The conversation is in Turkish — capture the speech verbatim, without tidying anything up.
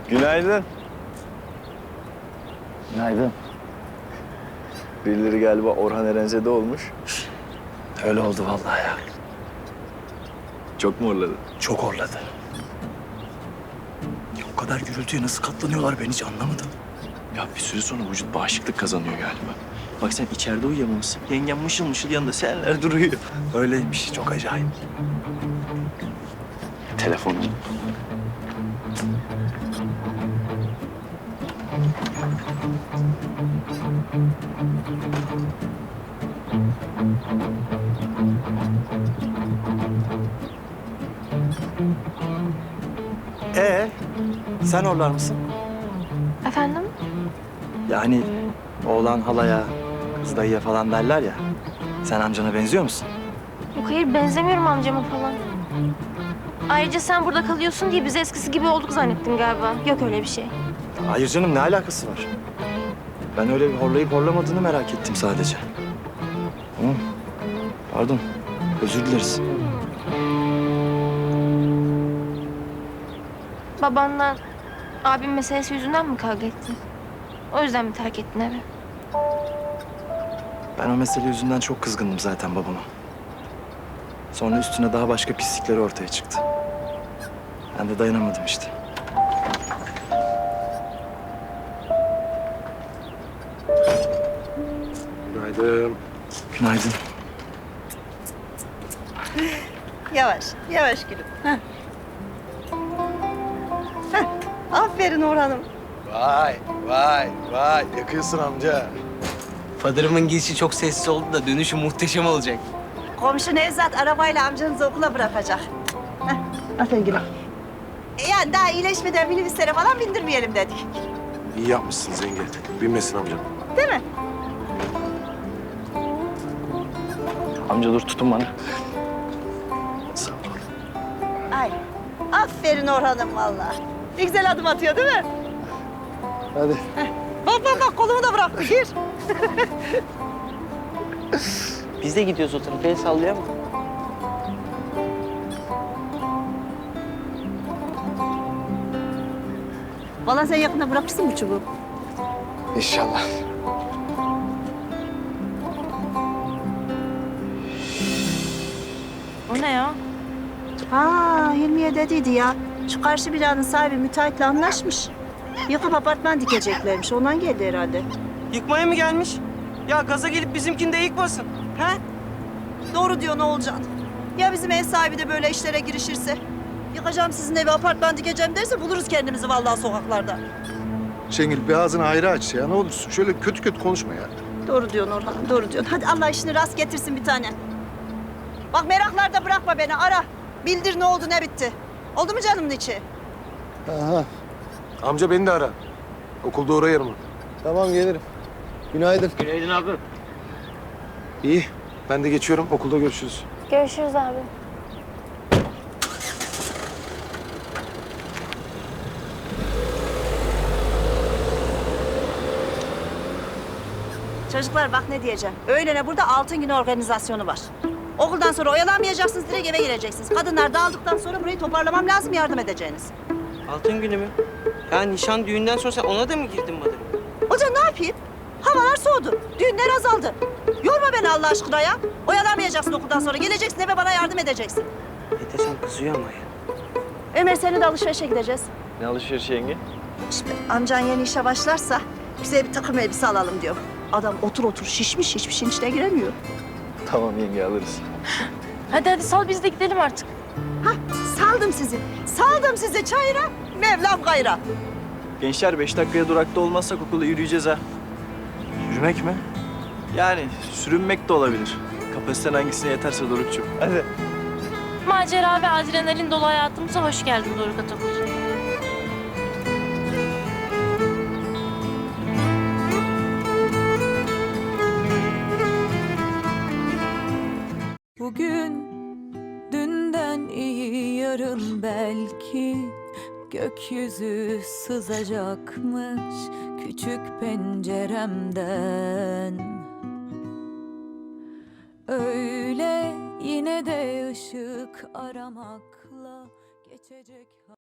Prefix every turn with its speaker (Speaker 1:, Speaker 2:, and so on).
Speaker 1: Günaydın.
Speaker 2: Günaydın.
Speaker 1: Birileri galiba Orhan Erenze'de olmuş.
Speaker 2: Öyle oldu vallahi ya.
Speaker 1: Çok mu horladı?
Speaker 2: Çok horladı. Ya o kadar gürültüye nasıl katlanıyorlar ben hiç anlamadım.
Speaker 1: Ya bir süre sonra vücut bağışıklık kazanıyor galiba. Bak sen içeride uyuyamamışsın. Yengen mışıl mışıl yanında senler duruyor.
Speaker 2: Öyleymiş, çok acayip.
Speaker 1: Telefonu.
Speaker 2: Ee, sen horlar mısın?
Speaker 3: Efendim?
Speaker 2: Yani oğlan halaya, kız dayıya falan derler ya. Sen amcana benziyor musun?
Speaker 3: Yok hayır benzemiyorum amcama falan. Ayrıca sen burada kalıyorsun diye biz eskisi gibi olduk zannettim galiba. Yok öyle bir şey.
Speaker 2: Hayır canım, ne alakası var? Ben öyle bir horlayıp horlamadığını merak ettim sadece. Hı? Pardon, özür dileriz.
Speaker 3: Babanla abim meselesi yüzünden mi kavga ettin? O yüzden mi terk ettin evi?
Speaker 2: Ben o mesele yüzünden çok kızgındım zaten babama. Sonra üstüne daha başka pislikleri ortaya çıktı. Ben de dayanamadım işte.
Speaker 4: Günaydın.
Speaker 2: Günaydın.
Speaker 5: Yavaş, yavaş gülüm. Heh. Heh. Aferin Orhan'ım.
Speaker 4: Vay, vay, vay. Yakıyorsun amca.
Speaker 6: Fadırımın girişi çok sessiz oldu da dönüşü muhteşem olacak.
Speaker 5: Komşu Nevzat arabayla amcanızı okula bırakacak. Heh. Aferin gülüm. E yani daha iyileşmeden minibüslere falan bindirmeyelim dedik.
Speaker 4: İyi yapmışsın Zenge. Binmesin amcam.
Speaker 5: Değil mi?
Speaker 1: Amca dur tutun bana.
Speaker 4: Sağ ol.
Speaker 5: Ay. Aferin Orhan'ım vallahi. Ne güzel adım atıyor değil mi?
Speaker 4: Hadi.
Speaker 5: Bak bak bak kolumu da bıraktı gir.
Speaker 6: Biz de gidiyoruz o tarafa, el sallayalım.
Speaker 5: Vallahi sen yakında bırakırsın bu çubuğu.
Speaker 4: İnşallah.
Speaker 3: O ne ya?
Speaker 5: Ha Hilmiye dediydi ya. Şu karşı binanın sahibi müteahhitle anlaşmış. Yıkıp apartman dikeceklermiş. Ondan geldi herhalde.
Speaker 6: Yıkmaya mı gelmiş? Ya gaza gelip bizimkini de yıkmasın.
Speaker 5: He? Doğru diyor ne olacak? Ya bizim ev sahibi de böyle işlere girişirse? Yıkacağım sizin evi, apartman dikeceğim derse buluruz kendimizi vallahi sokaklarda.
Speaker 4: Şengül bir ağzını ayrı aç ya. Ne olursun şöyle kötü kötü konuşma ya.
Speaker 5: Doğru diyorsun Orhan, doğru diyorsun. Hadi Allah işini rast getirsin bir tane. Bak meraklarda bırakma beni, ara. Bildir ne oldu, ne bitti. Oldu mu canımın içi?
Speaker 4: Aha. Amca beni de ara. Okulda uğra yarın. Tamam gelirim. Günaydın.
Speaker 6: Günaydın abi.
Speaker 4: İyi. Ben de geçiyorum. Okulda görüşürüz.
Speaker 3: Görüşürüz abi.
Speaker 5: Çocuklar bak ne diyeceğim. Öğlene burada altın günü organizasyonu var. Okuldan sonra oyalanmayacaksınız, direkt eve gireceksiniz. Kadınlar dağıldıktan sonra burayı toparlamam lazım, yardım edeceğiniz.
Speaker 6: Altın günü mü? Ya nişan düğünden sonra sen ona da mı girdin Badırım?
Speaker 5: Hocam ne yapayım? Havalar soğudu, düğünler azaldı. Yorma beni Allah aşkına ya. Oyalanmayacaksın okuldan sonra, geleceksin eve bana yardım edeceksin.
Speaker 6: Ete sen kızıyor ama ya.
Speaker 5: Ömer seni de alışverişe gideceğiz.
Speaker 1: Ne alışveriş yenge?
Speaker 5: Şimdi amcan yeni işe başlarsa bize bir takım elbise alalım diyor. Adam otur otur şişmiş, hiçbir şeyin içine giremiyor.
Speaker 1: Tamam yenge alırız.
Speaker 3: Hadi hadi sal biz de gidelim artık.
Speaker 5: Hah, saldım sizi. Saldım sizi çayıra, Mevlam gayra.
Speaker 1: Gençler beş dakikaya durakta olmazsak okula yürüyeceğiz ha.
Speaker 2: Yürümek mi?
Speaker 1: Yani sürünmek de olabilir. Kapasiten hangisine yeterse Dorukçum. Hadi.
Speaker 3: Macera ve adrenalin dolu hayatımıza hoş geldin Doruk Atapur.
Speaker 7: Bugün dünden iyi yarın belki gökyüzü sızacakmış küçük penceremden. Öyle yine de ışık aramakla geçecek.